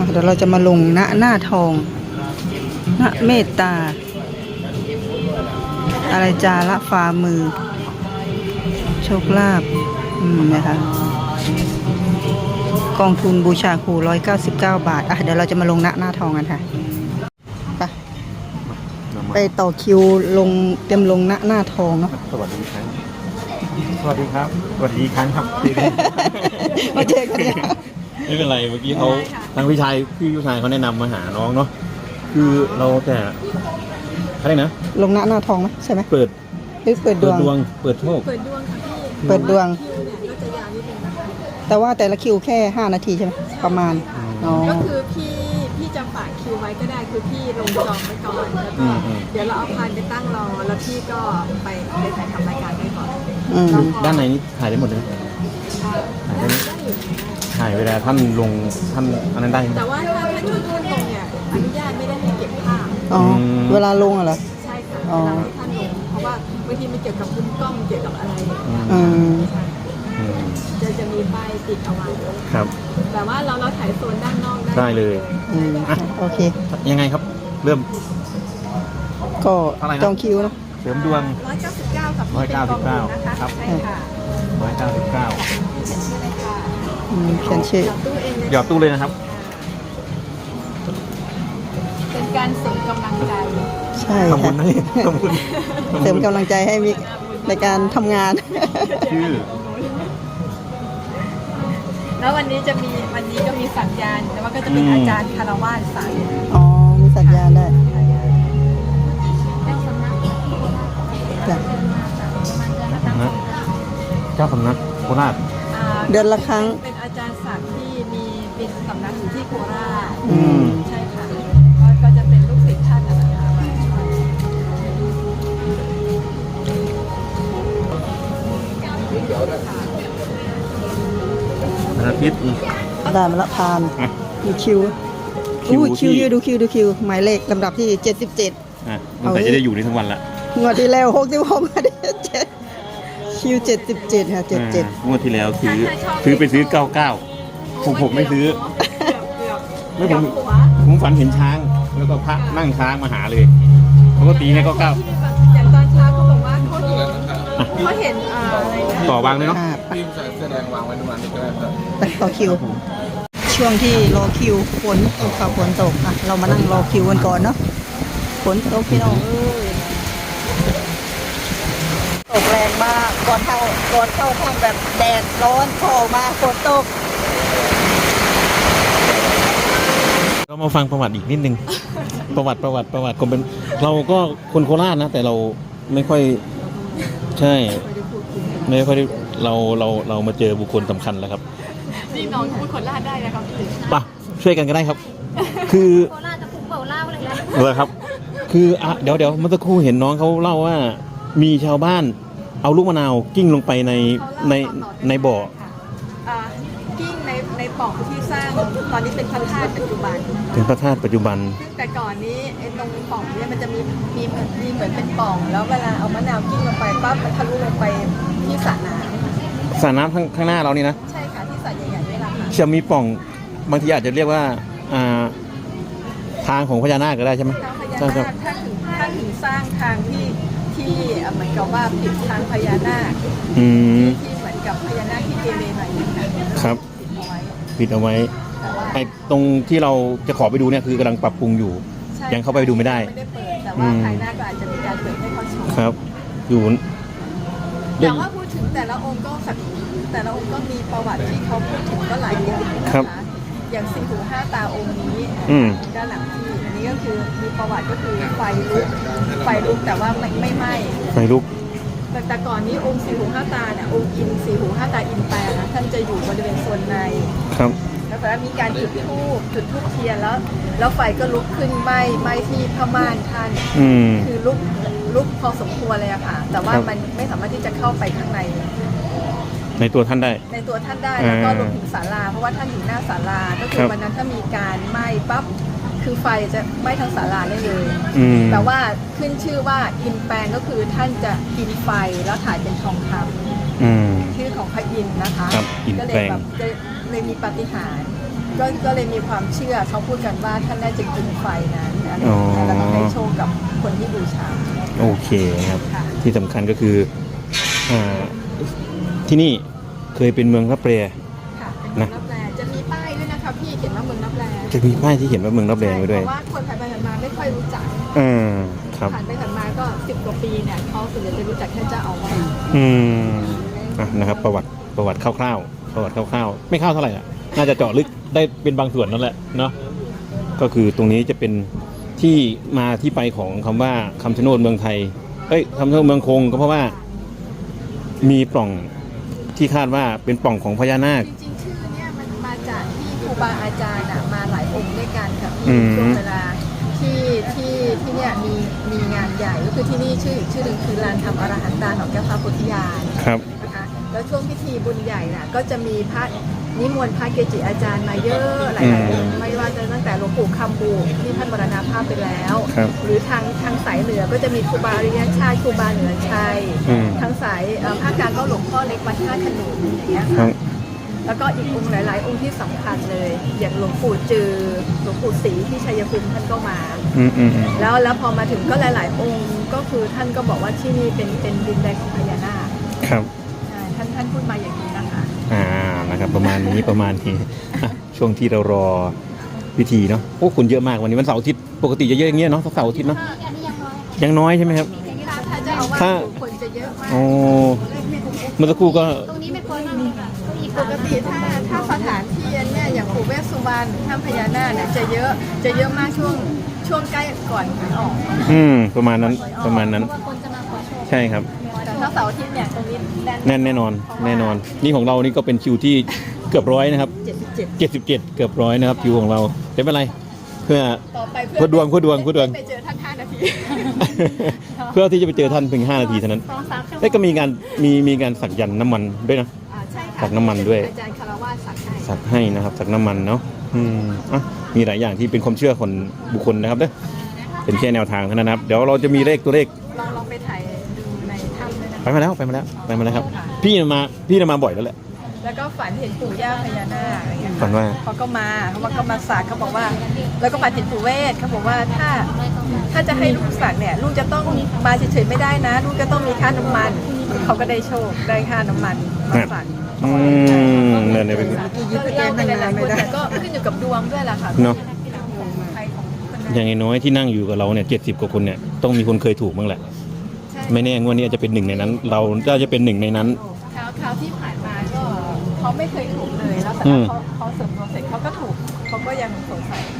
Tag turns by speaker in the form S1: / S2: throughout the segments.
S1: เดี๋ยวเราจะมาลงหน้าทองณเมตตา อะไรจาระฝ่ามือ โชคลาภนะคะกองทุนบูชาครู199 บาทเดี๋ยวเราจะมาลงหน้าทองกันค่ะไปต่อคิวลงเตรียมลงหน้าทองเนาะ
S2: สวัสดีครับสวัสดีครับสวัสดีครั้งครับ
S1: มาเจอกันแล้ว
S2: ไม่เป็นไรเมื่อกี้เขาทางพี่ชายเขาแนะนำมาหาน้องเนาะคือเราแต่อะไรนะ
S1: ลงหน้าทองไหมใช่ไหม
S2: เปิด
S1: หรือเปิดดวง
S2: เปิดโชค
S3: เปิดดวงค่ะพี่
S1: เปิดดวง
S3: คิวเนี่ยก็จะยาวนิดนึงนะคะ
S1: แต่ว่าแต่ละคิวแค่5 นาทีใช่ไหมประมาณอ๋อ
S3: ก็คือพี่จะฝากคิวไว้ก็ได้คือพี่ลงจองไว้ก่อนแล้วก็เดี๋ยวเราเอาพานไปตั้งรอแล้วพี่ก็ไปถ่ายทำรายการไว้ก่อน
S2: ด้านในนี้ถ่ายได้หมดเลยถ่ายได้ถ่ายเวลาท่านลงท่านอันนั้นได้ไหม
S3: แต่ว่าถ้าจุดท่านลงเนี่ยอนุญาตไม่ได้ให้เก็บภาพ
S1: อ๋อเวลาลงเหรอ
S3: ใช่ค่ะเวลาที่ท่านลงเพราะว่าบางทีมันเกี่ยวกับมุมกล้องเกี่ยวกับอะไร จะมีป้ายติดเอาไว้
S2: ครับ
S3: แต่ว่าเราถ่ายโซนด้านนอกได้
S2: ได้เลย
S1: โอเค
S2: ยังไงครับ เริ่ม
S1: ก็จองคิวเนาะ
S2: เสริมดวง
S3: 199ครับพี่เป็นกองทุนนะคะ
S2: ครับ
S3: ใช่ค่ะ
S2: 199
S3: เขียนชื่อเลยค่ะ
S1: เขียนชื่อ
S3: ตู้เองเลย
S2: หยอดตู้เลยนะครับ
S3: เป็นการเสริมกำลังใจ
S1: ใช่
S2: ขอบคุ
S1: ค่ะ
S2: ณนะขอบคุณ
S1: เสริมกำลังใจให้มิกในการทำงาน
S2: ชื่อ
S3: แล้ววันนี้ก็มีสัญญาณ แต่ว่าก็จะเป็นอาจารย์คารวาสสั่ง
S1: อ๋อ มีสัญญาณได้จ้ะ
S2: นะเจ้าสำนักโคราช
S1: เดือนละครั้ง
S3: เป็นอาจารย์ศักดิ์ที่มีเป็นสำนักอยู่ที่โคราช ใช่ค่ะก็จะเป็นลูกศิษย์ท่านนะคะมาช่วย
S2: วันอาทิตย์
S1: ได้มาละพาน
S2: อ่ะ
S1: มีคิว
S2: คิว
S1: อู้คิว
S2: ที่
S1: เยอะดูคิว หมายเลขลำดับที่ 77
S2: ตั้งแต่จะได้อยู่ในทั้งวันละ
S1: งวดที่แล้ว66มาได้7คิว77ค่ะ77
S2: งวดที่แล้วซื้อไปซื้อ 99ผมไม่ซื้อ ไม่ผม ผมฝันเห็นช้าง แล้วก็พระนั่งช้างมาหาเลยปกติให้99
S3: อย่างตอนเช้าเขาบอกว่าเขาเห็นอะไรนะ
S2: ต่อวางเลยเนาะ
S4: พี่แสดงวางไว้ตรงนั้นก็ได้ครับ
S1: ไปต่อคิว ช่วงที่รอคิวฝนตกค่ะฝนตกเรามานั่งรอคิวกันก่อนเนาะฝนตกพี่น้องตกแรงมากก่อนเข้าห้องแบบแดดร้อนพอออกมาฝนตก
S2: เรามาฟังประวัติอีกนิดนึง ประวัติคนเป็นเราก็คนโคราชนะ แต่เราไม่ค่อยใช่ ไม่ค่อยได้เรามาเจอบุคคลสำคัญแล้วครับ
S3: นี่น้องพูดคนลาดได้นะครับพี่
S2: ป่ะช่วยกันก็ได้ครับ คือ
S3: โคราชจะพุ่งเบาเล่าเลยนะ
S2: เหรอครับ คือเดี๋ยวเมื่อสักครู่เห็นน้องเขาเล่าว่า มีชาวบ้านเอาลูกมะนาวกิ้งลงไปในบ่อ
S3: กิ้งในปล่องที่สร้างตอนนี้เป็นพระธาตุปัจจุบัน
S2: ถึงพระธาตุปัจจุบัน
S3: ซึ่งแต่ก่อนนี้ไอ้ตรงปล่องเนี่ยมันจะมีเหมือนเป็นปล่อง แล้วเวลาเอามะนาวกิ้งลงไปปั๊บมันทะลุลงไปที่สระน้
S2: สระน้ำข้างหน้าเรานี่นะ
S3: ำใช่ค่ะที่สระใหญ่ๆนี่แหละค่ะ
S2: จะมีปล่องบางทีอาจจะเรียกว่าทางของพญานาคก็ได้ใช่ไหม
S3: ทางพญานาคถ้าถึงสร้างทางที่เหมือนกับว่าปิดทางพญานาค ที่เหมือนกับพญานาคที่เกเรหน่อยนึงนะครับ
S2: ปิดเอาไว้
S3: แต่ว่า
S2: ไอ้ตรงที่เราจะขอไปดูเนี่ยคือกำลังปรับปรุงอยู่
S3: ใช่
S2: ยังเข้าไปดูไม่ได้
S3: ไม่ได้เปิดแต่ว่าภายหน้าก็อาจจะมีการเปิดให้เขาชม
S2: ครับ อยู่
S3: แต่ว่าพูดถึงแต่ละองค์ก็มีประวัติที่เขาพูดถึงก็หลายอย่างนะคะอย่างสี่หูห้าตาองค์นี้ด้านหลังที่อันนี้ก็คือมีประวัติก็คือไฟลุกแต่ว่าไม่ไหม้
S2: ไฟลุก
S3: แต่ก่อนนี้องค์สี่หูห้าตาเนี่ยองค์อินสี่หูห้าตาอินแปลนะท่านจะอยู่บริเวณโซนใน
S2: ครับ
S3: แล้วแต่มีการจุดธูปเทียนแล้วไฟก็ลุกขึ้นไหม้ที่ผ้าม่านท่าน คือลุกพอสมควรเลยอะค่ะ แต่ว่ามันไม่สามารถที่จะเข้าไปข้างใน
S2: ในตัวท่านได้
S3: ในตัวท่านได้แล้วก็รวมถึงศาลาเพราะว่าท่านอยู่หน้าศาลาก็คือวันนั้นถ้ามีการไหม้ปั๊บคือไฟจะไหม้ทั้งศาลาได้เลยแต่ว่าขึ้นชื่อว่าอินแปลงก็คือท่านจะกินไฟแล้วถ่ายเป็นทองคำชื่อของพระอินทร์นะคะก็เลยแบบเลยมีปาฏิหาริย์ก็เลยมีความเชื่อเขาพูดกันว่าท่านน่าจะกินไฟนั้นอะไรอย่างเงี้ยแล้วก็ให้โชคกับคนที่บูชา
S2: โอเคครับ
S3: ค่ะ
S2: ที่สำคัญก็คือที่นี่เคยเป็นเมืองรับแล
S3: ค่ะเป็นเมืองรับแลจะมีป้ายด้วยนะคะพี่เขียนว่าเมืองรับแล
S2: จะมีป้ายที่เขียนว่าเมืองรับแลไว้ด้วย
S3: เพราะว่าคนผ่านไปผ่านมาไม่ค่อยรู้จัก
S2: ครับ
S3: ผ่านไปผ่านมาก็10 กว่าปีเนี่ยเขาส่วนใหญ่จะรู้จักแค่เจ้าอาวาส
S2: นะครับประวัติคร่าวๆประวัติคร่าวๆไม่คร่าวเท่าไหร่อ่ะน่าจะเจาะลึกได้เป็นบางส่วนนั่นแหละเนาะก็คือตรงนี้จะเป็นที่มาที่ไปของคำว่าคำชะโนดเมืองไทยคำชะโนดเมืองคงก็เพราะว่ามีปล่องที่คาดว่าเป็นปล่องของพญานาค
S3: จริงๆชื่อเนี่ยมันมาจากที่ครูบาอาจารย์มาหลายองค์ด้วยกันค่ะ
S2: อื
S3: พี่
S2: ม
S3: ช่วงเวลาที่เนี่ยมีงานใหญ่ก็คือที่นี่ชื่ออีกชื่อหนึ่งคือลานธรรมอรหันตาของเจ้าฟ้าโพธิญาณ
S2: ครับ
S3: นะคะแล้วช่วงพิธีบุญใหญ่น่ะก็จะมีพระนิมนต์พระเกจิอาจารย์มาเยอะหลายๆองค์ไม่ว่าจะตั้งแต่หลวงปู่คำบูที่ท่านมรณภาพไปแล้ว
S2: ครับ
S3: หรือทางสายเหนือก็จะมีครูบาอริยชาติครูบาเหนือชัย ทางสายภาคกลางก็หลวงพ่อเล็กวัดท่าขนุนอย่างเงี้ย
S2: ครั
S3: ค่ะ
S2: บ
S3: แล้วก็อีกองค์หลาย ๆ องค์ที่สำคัญเลย อย่างหลวงปู่จือหลวงปู่ศรีที่ชัยภูมิท่านก็มา แล้วพอมาถึงก็หลาย ๆ องค์ก็คือท่านก็บอกว่าที่นี่เป็นดินแดนของพญานาค
S2: ครับ
S3: ใช่ท่านพูดมาอย่างนี้นะคะ
S2: นะครับประมาณนี้อ่ะช่วงที่เรารอพิธีเนาะโอ้คนเยอะมากวันนี้วันเสาร์อาทิตย์ปกติจะเยอะอย่างเงี้ยเนาะเสาร์อาทิตย์เนาะยังน้อยใช่ไหมครับ
S3: ถ้าจะเอาว่า
S2: ถ้า
S3: คนจะเยอะมาก
S2: โอ้เมื่อสักครู่ก็
S5: ตรงนี้ไม่ควรมากเลยค่ะอีก
S3: ปกติถ้าสถานที่เนี่ยอย่างปู่เวสสุวรรณถ้ำพญานาคเนี่ยจะเยอะมากช่วงใกล้ก่อนหวยออก
S2: ประมาณนั้น
S5: เพราะว่าคนจะมาขอโชค
S2: ใช่ครับ
S3: แต่ถ้าเสาร์อาทิตย์เนี่ยตรงนี้
S2: แน่นอนนี่ของเรานี่ก็เป็นคิวที่เกือบ100นะครับ
S3: 77
S2: 77เกือบ100นะครับคิวของเราไม่เป็นไรเพื่อ
S3: ต่อไป
S2: เพื่อดวง
S3: ไปเจอท่าน5 นาที
S2: เพื่อที่จะไปเจอท่านเพียง5 นาทีเท่านั้น
S5: 2-3 ชั่วโม
S2: แล้ว
S5: ง
S2: ก็มีการสักยันต์น้ำมันด้วยนะ
S3: ใช่ค่ะ
S2: สักน้ำมันด้วย
S3: อาจารย์คารวะสักให้
S2: สักให้นะครับสักน้ำมันเนาะมีหลายอย่างที่เป็นความเชื่อคนบุคคลนะครับเด้อเป็นแค่แนวทางเท่านั้นนะครับเดี๋ยวเราจะมีตัวเลข
S3: ลองไปถ่ายดูในถ้ำด้วยนะ
S2: ไปมาแล้วครับพี่น่ะมาบ่อยแล้วแหละ
S3: แล้วก็ฝันเห็นปู่ย่าพญานาคอะไรเงี้ย
S2: ฝันว่า
S3: เขาก็มาสักเขาบอกว่า แล้วก็ฝันเห็นปู่เวทเขาบอกว่าถ้าจะให้ลูกสักเนี่ยลูกจะต้องมาเฉยๆไม่ได้นะ ลูกจะต้องมีค่าน้ำมันเขาก็ได้โชคได้ค่าน้ำมันมาสัก
S2: เนี่ยเป็น
S3: ก็เล่าไปหลายๆคนแต่ก็ขึ้นอยู่กับดวงด้วยล่ะค่ะ
S2: เนาะ
S3: ใครของคนนั้น
S2: อย่างน้อยที่นั่งอยู่กับเราเนี่ย70 กว่าคนเนี่ยต้องมีคนเคยถูกบ้างแหละ
S3: ใช่
S2: ไม่แน่งวดนี้อาจจะเป็นหนึ่งในนั้น เราจะเป็นหนึ่งในนั้น
S3: คราวที่ผ่านมาก็เขาไม่เคยถูกเลยแล้วแต่เขาเสริมดวงเสร็จเขาก็ถูกเขาก็ยังสงสัย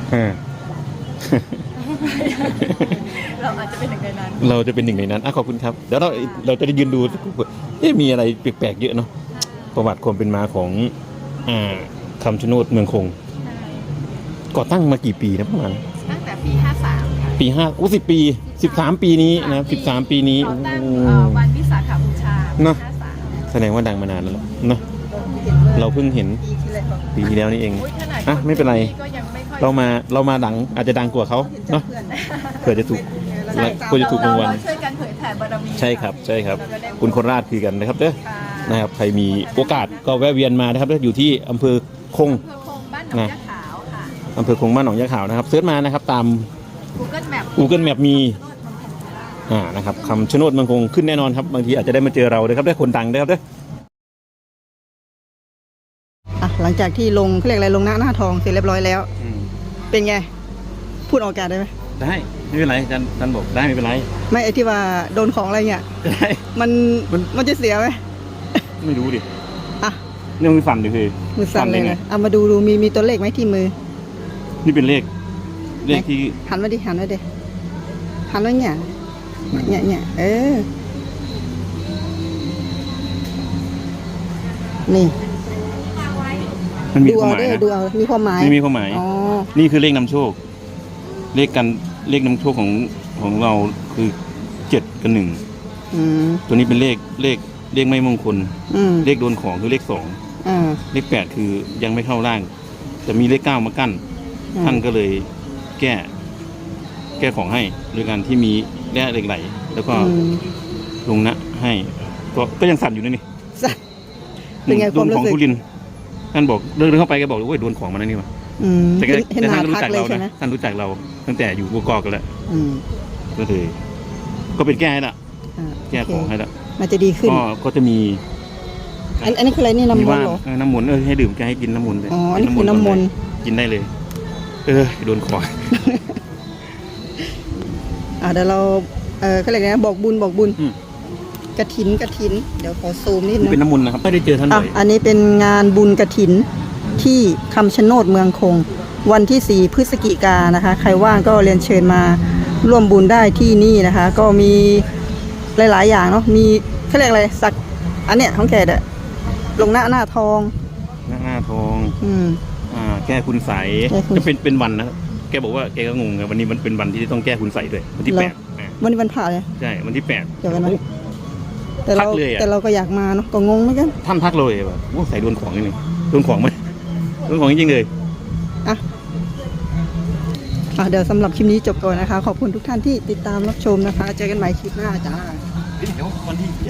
S3: เราอาจจะเป็นหนึ่งในนั้น
S2: เราจะเป็นหนึ่งในนั้นขอบคุณครับเดี๋ยวเราจะได้ยืนดูมีอะไรแปลกๆเยอะเนาะประวัติความเป็นมาของคำชะโนดเมืองคงก่อตั้งมากี่ปีนะประมาณ
S3: ตั้งแต่ปี 53 ค่ะ
S2: ปี10 ปี13 ปีนี้นะครับ13 ปีนี้
S3: เขาตั้งวันวิสาขบูชา
S2: เนอะ
S3: 53
S2: แสดงว่าดังมานานแล้วล่ะเนาะเราเพิ่งเห็นปีที่แล้วนี่เอง
S3: อุ๊ยขนาด
S2: ไม่เป็นไร
S3: ก็ยังไม่ค่อย
S2: เรามาดังอาจจะดังกว่าเขาเนาะเผื่อจะถูก
S3: ใช่
S2: เผื่อจะถูกรางวัล
S3: เราช่วยกันเผยแผ่บารมี
S2: ใช่ครับ
S3: เราก็ได้
S2: คุณโคราชคือกันนะครับเด้อ
S3: ค่ะ
S2: นะครับใครมีโอกาสก็แวะเวียนมานะครับอยู่ที่อำเภอคง
S3: อำเภอคงบ้านหนองยะขาวค่ะ
S2: อำเภอคงบ้านหนองยะขาวนะครับเสิร์ชมานะครับตาม
S3: Google Map
S2: Google Map มีนะครับคำชะโนดเมืองคงขึ้นแน่นอนครับบางทีอาจจะได้มาเจอเราเลยครับได้คนดังนะครับเด้อ
S1: หลังจากที่ลงเขาเรียกอะไรลงหน้าทองเสร็จเรียบร้อยแล้ว เป็นไง พูดออกอากาศได้ไหม
S2: ได้ไม่เป็นไรอาจารย์บอกได้ไม่เป็นไร
S1: ไม่ไอที่ว่าโดนของอะไรเงี้ย
S2: ได้
S1: มันจะเสียไหม
S2: ไม่รู้ดิ
S1: อ่ะ
S2: นี่มันสั่นดิคือ
S1: มือสั่นเลย
S2: ไง
S1: นะเอามาดูมีตัวเลขไหมที่มือ
S2: นี่เป็นเลขที่
S1: หันมาดิหันไว้เนี่ยเออนี่
S2: มันมี
S1: ดู
S2: ความ
S1: เอา
S2: หมาย
S1: ด้วย
S2: นะ
S1: ดูเอามีความหมาย
S2: ไม่มีความหมาย
S1: อ๋อ
S2: นี่คือเลขนำโชค เลขนำโชคของเราคือ7 กับ 1
S1: อืม
S2: ตัวนี้เป็นเลขไม่มงคล
S1: อืม
S2: เลขโดนของคือเลข 2 เลข 8 คือยังไม่เข้าร่างแต่มีเลข 9 มากั้น ท่านก็เลยแก้ของให้โดยการที่มีแร่เหล็กไหล แล้วก็
S1: อืม
S2: ลงนะให้ก็ยังสั่นอยู่นะนี่
S1: สั่นเป็นไงความรู้สึก
S2: โดนของทุลินท่านบอกเดินเข้าไปแกบอกเลยว่าโดนของมาแล้วนี่วะ
S1: อืม
S2: แต่
S1: เห็นห
S2: ท่า
S1: น้าน
S2: รู้
S1: ทัก
S2: จัก
S1: เล
S2: เรา
S1: ยใช่ไหม
S2: นะท่านรู้จักเราตั้งแต่อยู่บกอกกันแล้ว
S1: อืม
S2: ก็เลยก็เป็นแก้ให้ละ
S1: อ่า
S2: แก้ของให้ละ
S1: มันจะดีขึ้น
S2: ก็จะมี
S1: อันนี้คืออะไรนี่น้ำ
S2: มี
S1: มัน
S2: ว่า
S1: เหรอ
S2: น้ำมนต์ให้ดื่มแกให้กินน้ำมนต์เลย
S1: อ๋ออันนี้คือน้ำมนต์
S2: กินได้เลย โดนคอ
S1: เดี๋ยวเราเขาเรียกนะบอกบุญ
S2: อืม
S1: กระถินเดี๋ยวขอซูมนิด
S2: นี่
S1: นึง
S2: เป็นน้ำมนต์นะครับไม่ได้เจอท่านบ่อย
S1: อันนี้เป็นงานบุญกระถินที่คำชะโนดเมืองคง วันที่ 4 พฤศจิกายนนะคะ ใครว่างก็เรียนเชิญมาร่วมบุญได้ที่นี่นะคะ ก็มีหลาย ๆ อย่างเนาะมีเขาเรียกอะไรสักอันเนี้ยของแกเด้อลงหน้าทอง
S2: หน้าทอง
S1: อืม
S2: แก้คุณใส
S1: แก้คุณ
S2: จะเป็นวันนะแกบอกว่าแกก็งงไงวันนี้มันเป็นวันที่ต้องแก้คุณใสด้วยวันที่
S1: เหรอ
S2: 8
S1: วันนี้วันผ่าเลย
S2: ใช่วันที่
S1: เดี๋ยวกันนะ
S2: 8
S1: แต่เรา
S2: ทักเลยอะ
S1: แต่เราก็อยากมาเนาะก็งงเหมือนกัน
S2: ท่านทักเลยแบบว่าใส่โดนของนิดนึงโดนของไหมโดนของจริงๆเลย
S1: เดี๋ยวสำหรับคลิปนี้จบก่อนนะคะ ขอบคุณทุกท่านที่ติดตามรับชมนะคะ เจอกันใหม่คลิปหน้าจ้า
S2: เดี๋ยววันที่